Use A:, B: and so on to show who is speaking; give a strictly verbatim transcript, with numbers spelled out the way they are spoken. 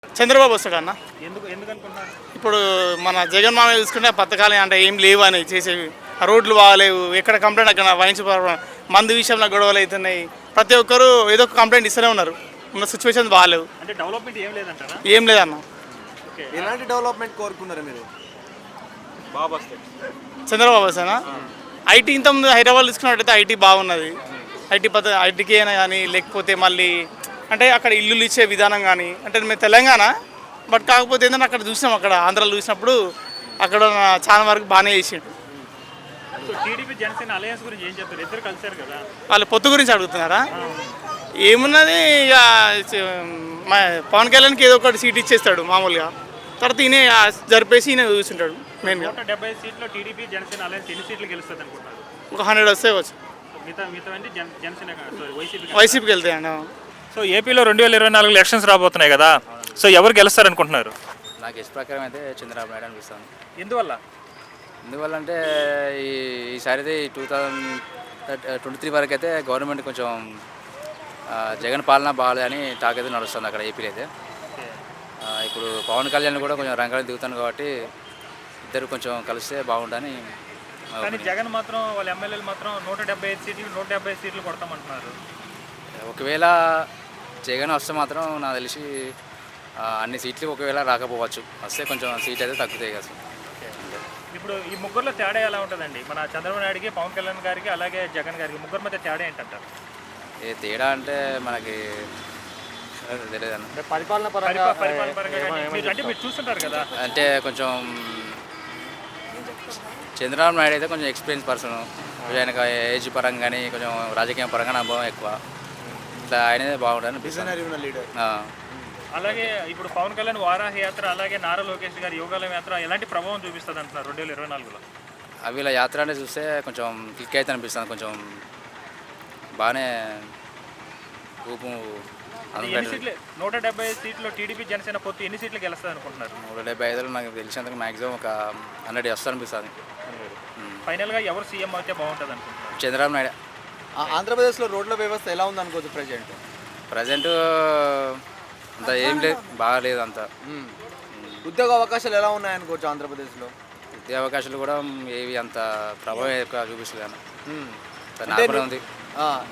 A: చంద్రబాబు వస్తాడు అన్న.
B: ఎందుకు ఎందుకు అనుకుంటున్నారు?
A: ఇప్పుడు మన జగన్ మామ చూసుకుంటే పథకాలు అంటే ఏం లేవు అని చేసేవి. ఆ రోడ్లు బాగాలేవు, ఎక్కడ కంప్లైంట్ అక్కడ వైన్స్ మందు విషయంలో గొడవలు అవుతున్నాయి. ప్రతి ఒక్కరు ఏదో ఒక కంప్లైంట్ ఇస్తూనే ఉన్నారు. ఉన్న సిచ్యువేషన్ బాగాలేవు,
B: అంటే డెవలప్మెంట్ ఏం లేదంటారా?
A: ఏం లేదన్న.
B: ఓకే,
C: ఎలాంటి డెవలప్మెంట్ కోరుకున్నారు మీరు?
B: బాబు వస్తాయి.
A: చంద్రబాబు వస్తానా? ఐటీ ఇంత ముందు హైదరాబాద్ తీసుకున్నట్టయితే ఐటీ బాగున్నది. ఐటీ పద్ధ ఐటీకి అయినా కానీ లేకపోతే మళ్ళీ అంటే అక్కడ ఇల్లులు ఇచ్చే విధానం కానీ అంటే మేము తెలంగాణ బట్ కాకపోతే ఏంటంటే అక్కడ చూసినాం, అక్కడ ఆంధ్రాలో చూసినప్పుడు అక్కడ చాలా వరకు బాగానే చేసిండు.
B: సో టీడీపీ జనసేన అలయన్స్ గురించి ఏం చెప్తారు? ఇద్దరు కలిసారు కదా.
A: వాళ్ళ పొత్తు గురించి అడుగుతున్నారా? ఏమున్నది ఇక మా పవన్ కళ్యాణ్కి ఏదో ఒకటి సీట్ ఇచ్చేస్తాడు మామూలుగా, తర్వాత ఈయన జరిపేసి ఈయన చూసింటాడు మెయిన్గా.
B: నూట డెబ్బై సీట్లో టీడీపీ జనసేన అలయన్స్ ఎన్ని సీట్లు గెలుస్తుంది అనుకుంటారు?
A: ఒక హండ్రెడ్ వస్తే వచ్చు.
B: మిగతా మిగతా అంటే జన జనసేన సారీ వైసీపీ
A: వైసీపీకి వెళ్తాయండి.
B: సో ఏపీలో రెండు వేల ఇరవై నాలుగు ఎలక్షన్స్ రాబోతున్నాయి కదా, సో ఎవరు గెలుస్తారు అనుకుంటున్నారు?
D: నాకు ఇష్ట ప్రకారం అయితే చంద్రబాబు నాయుడు అనిపిస్తుంది.
B: ఎందువల్ల?
D: ఎందువల్ల అంటే ఈ ఈసారి అయితే టూ థౌజండ్ ట్వంటీ త్రీ వరకు అయితే గవర్నమెంట్ కొంచెం ఆ, జగన్ పాలన బాగాలేదని టాక్ అయితే నడుస్తుంది అక్కడ ఏపీలో అయితే. ఆ, ఇప్పుడు పవన్ కళ్యాణ్ కూడా కొంచెం రంగాలు దిగుతాను కాబట్టి ఇద్దరు కొంచెం కలిస్తే బాగుండని.
B: కానీ జగన్ మాత్రం వాళ్ళ ఎమ్మెల్యేలు మాత్రం నూట డెబ్బై ఐదు సీట్లు నూట డెబ్బై ఐదు సీట్లు కొడతామంటున్నారు.
D: ఒకవేళ జగన్ వస్తే మాత్రం నాకు తెలిసి ఆ, అన్ని సీట్లు ఒకవేళ రాకపోవచ్చు, వస్తే కొంచెం సీట్ అయితే తగ్గుతాయి కదా.
B: ఇప్పుడు ఈ ముగ్గురులో తేడా ఎలా ఉంటుందండి? మన చంద్రబాబు నాయుడికి, పవన్ కళ్యాణ్ గారికి, అలాగే జగన్ గారికి ముగ్గురు మధ్య తేడా ఏంటంటారు?
D: ఏ తేడా అంటే మనకి తెలియదన్న.
C: పరిపాలన
B: పరిపా- పరిపాలన పరంగా కానీ మీరు అంటే మీరు చూస్తుంటారు కదా.
D: అంటే కొంచెం చంద్రబాబు నాయుడు అయితే కొంచెం ఎక్స్పీరియన్స్ పర్సన్, ఆయనకు ఏజ్ పరంగా కానీ కొంచెం రాజకీయ పరంగా అనుభవం ఎక్కువ, ఇట్లా ఆయనదే బాగుంటుంది అనిపిస్తుంది.
C: లీడర్.
D: ఆ.
B: అలాగే ఇప్పుడు పవన్ కళ్యాణ్ వారాహ యాత్ర, అలాగే నారా లోకేష్ గారి యోగాల యాత్ర ఎలాంటి ప్రభావం చూపిస్తుంది అంటున్నారు రెండు వేల ఇరవై నాలుగులో?
D: అవి ఇలా యాత్ర అంటే చూస్తే కొంచెం క్లిక్ అయితే అనిపిస్తుంది, కొంచెం బాగానే ఊపు
B: ఎన్ని సీట్లు? నూట డెబ్బై ఐదు సీట్లు టీడీపీ జనసేన పొత్తు ఎన్ని సీట్లు గెలుస్తుంది అనుకుంటున్నారు?
D: నూట డెబ్బై ఐదులో నాకు తెలిసినందుకు మ్యాక్సిమం ఒక హండ్రెడ్ వస్తుంది అనిపిస్తుంది.
B: ఫైనల్గా ఎవరు సీఎం అయితే బాగుంటుంది అనుకుంటున్నారు?
D: చంద్రబాబు నాయుడు.
C: ఆంధ్రప్రదేశ్లో రోడ్ల వ్యవస్థ ఎలా ఉంది అనుకోవచ్చు ప్రజెంట్?
D: ప్రజెంట్ అంత ఏం లేదు, బాగాలేదు అంత.
C: ఉద్యోగ అవకాశాలు ఎలా ఉన్నాయనుకోవచ్చు ఆంధ్రప్రదేశ్లో?
D: విద్యా అవకాశాలు కూడా ఏవి అంత ప్రభావం ఎక్కువ చూపిస్తలేదు అన్న,
C: అంటే
D: నార్మల్ ఉంది.